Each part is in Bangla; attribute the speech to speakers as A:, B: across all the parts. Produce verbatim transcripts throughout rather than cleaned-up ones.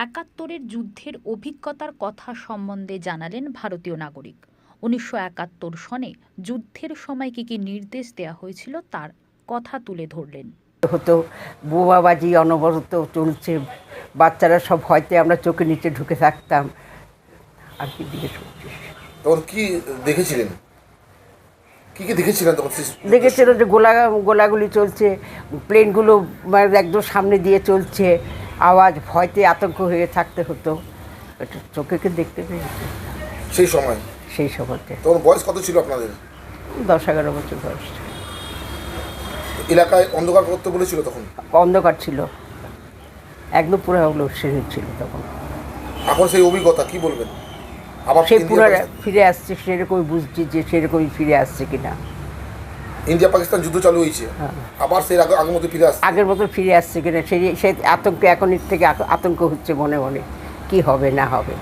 A: একাত্তরের যুদ্ধের অভিজ্ঞতার কথা সম্বন্ধে জানালেন ভারতীয় নাগরিক। উনিশশো একাত্তর সনে যুদ্ধের সময় কী কী নির্দেশ দেওয়া হয়েছিল তার কথা তুলে ধরলেন।
B: হতো বোমাবাজি অনবরত চলছে, বাচ্চারা সব হয়তো আমরা চোখের নিচে ঢুকে থাকতাম। আর কি জিজ্ঞেস করছিস?
C: তখন কি দেখেছিলেন? কি কি দেখেছিলেন তখন?
B: দেখেছিল যে গোলা গোলাগুলি চলছে, প্লেনগুলো মানে একদম সামনে দিয়ে চলছে, আওয়াজ, ভয়তে আতঙ্ক হয়ে থাকতে হতো। এটা চোখেকে দেখতে পেয়েছি
C: সেই সময়।
B: সেই সময়তে
C: তখন বয়স কত ছিল আপনাদের?
B: দশ এগারো বছর বয়স।
C: এলাকায় অন্ধকার করতে বলেছিল তখন?
B: অন্ধকার ছিল, একদম পুরো লোডশেডিং ছিল তখন।
C: এখন সেই অভিজ্ঞতা কি বলবেন? আবার
B: সেই পুরো ফিরে আসছে, সেরকমই বুঝছি যে সেরকমই ফিরে আসছে কিনা।
C: ইন্ডিয়া পাকিস্তান যুদ্ধ চালু হয়েছে, আবার সেই আগে আগের মতো ফিরে আসছে,
B: আগের মতো ফিরে আসছে কিনা সেই সেই আতঙ্ক, এখন এর থেকে আতঙ্ক হচ্ছে মনে মনে, কি হবে না হবে।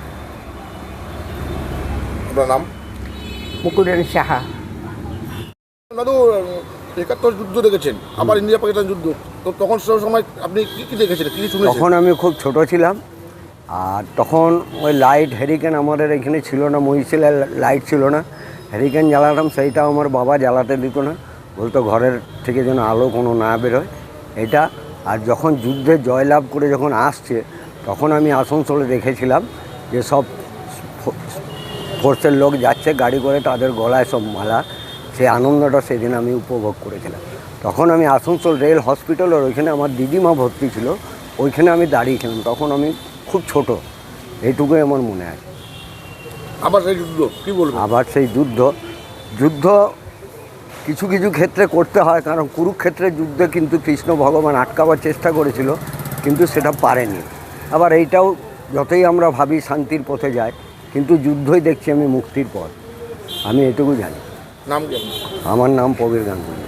C: আপনার নাম?
B: মুকুলরানী সাহা।
C: দাদু, একাত্তর যুদ্ধ দেখেছেন, আবার ইন্ডিয়া পাকিস্তান যুদ্ধ, তো তখন সেই সময় আপনি কি কি দেখেছিলেন, কি শুনেছেন?
D: তখন আমি খুব ছোট ছিলাম, আর তখন ওই লাইট হ্যারিকেন আমাদের এখানে ছিল না, মহিশিলার লাইট ছিল না। হ্যারিকেন জ্বালাতাম, সেইটাও আমার বাবা জ্বালাতে দিত না, বলতো ঘরের থেকে যেন আলো কোনো না বেরোয় এটা। আর যখন যুদ্ধে জয়লাভ করে যখন আসছে, তখন আমি আসানসোলে দেখেছিলাম যে সব ফোর্সের লোক যাচ্ছে গাড়ি করে, তাদের গলায় সব মালা, সেই আনন্দটা সেদিন আমি উপভোগ করেছিলাম। তখন আমি আসানসোল রেল হসপিটালের ওইখানে আমার দিদিমা ভর্তি ছিল, ওইখানে আমি দাঁড়িয়েছিলাম, তখন আমি খুব ছোট, এইটুকুই আমার মনে আছে।
C: আবার সেই যুদ্ধ কী বলবো?
D: আবার সেই যুদ্ধ যুদ্ধ কিছু কিছু ক্ষেত্রে করতে হয়, কারণ কুরুক্ষেত্রের যুদ্ধে কিন্তু কৃষ্ণ ভগবান আটকাবার চেষ্টা করেছিল, কিন্তু সেটা পারেনি। আবার এইটাও যতই আমরা ভাবি শান্তির পথে যায়, কিন্তু যুদ্ধই দেখছি আমি মুক্তির পথ, আমি এটুকু জানি।
C: নাম কি?
D: আমার নাম প্রবীর গাঙ্গুলি।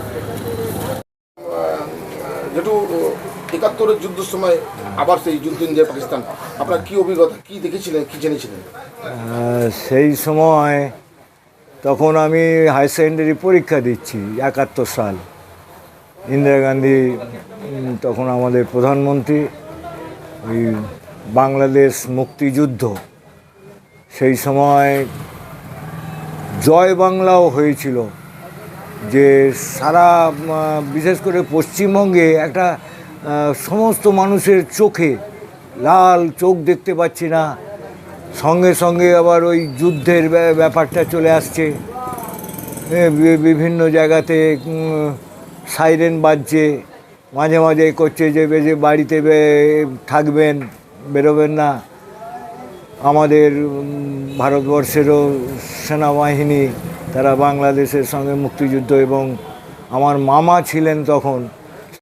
C: যেটু একাত্তরের যুদ্ধের সময় আবার সেই যুদ্ধ ইন্ডিয়া পাকিস্তান, আপনার কি অভিজ্ঞতা, কি দেখেছিলেন, কি জেনেছিলেন?
E: সেই সময় তখন আমি হাই সেকেন্ডারি পরীক্ষা দিচ্ছি, একাত্তর সাল। ইন্দিরা গান্ধী তখন আমাদের প্রধানমন্ত্রী, ওই বাংলাদেশ মুক্তিযুদ্ধ, সেই সময় জয় বাংলাও হয়েছিল, যে সারা বিশেষ করে পশ্চিমবঙ্গে একটা সমস্ত মানুষের চোখে লাল, চোখ দেখতে পাচ্ছি না, সঙ্গে সঙ্গে আবার ওই যুদ্ধের ব্যাপারটা চলে আসছে, বিভিন্ন জায়গাতে সাইরেন বাজছে, মাঝে মাঝে করছে যে যে বাড়িতে থাকবেন, বেরোবেন না। আমাদের ভারতবর্ষেরও সেনাবাহিনী, তারা বাংলাদেশের সঙ্গে মুক্তিযুদ্ধ, এবং আমার মামা ছিলেন তখন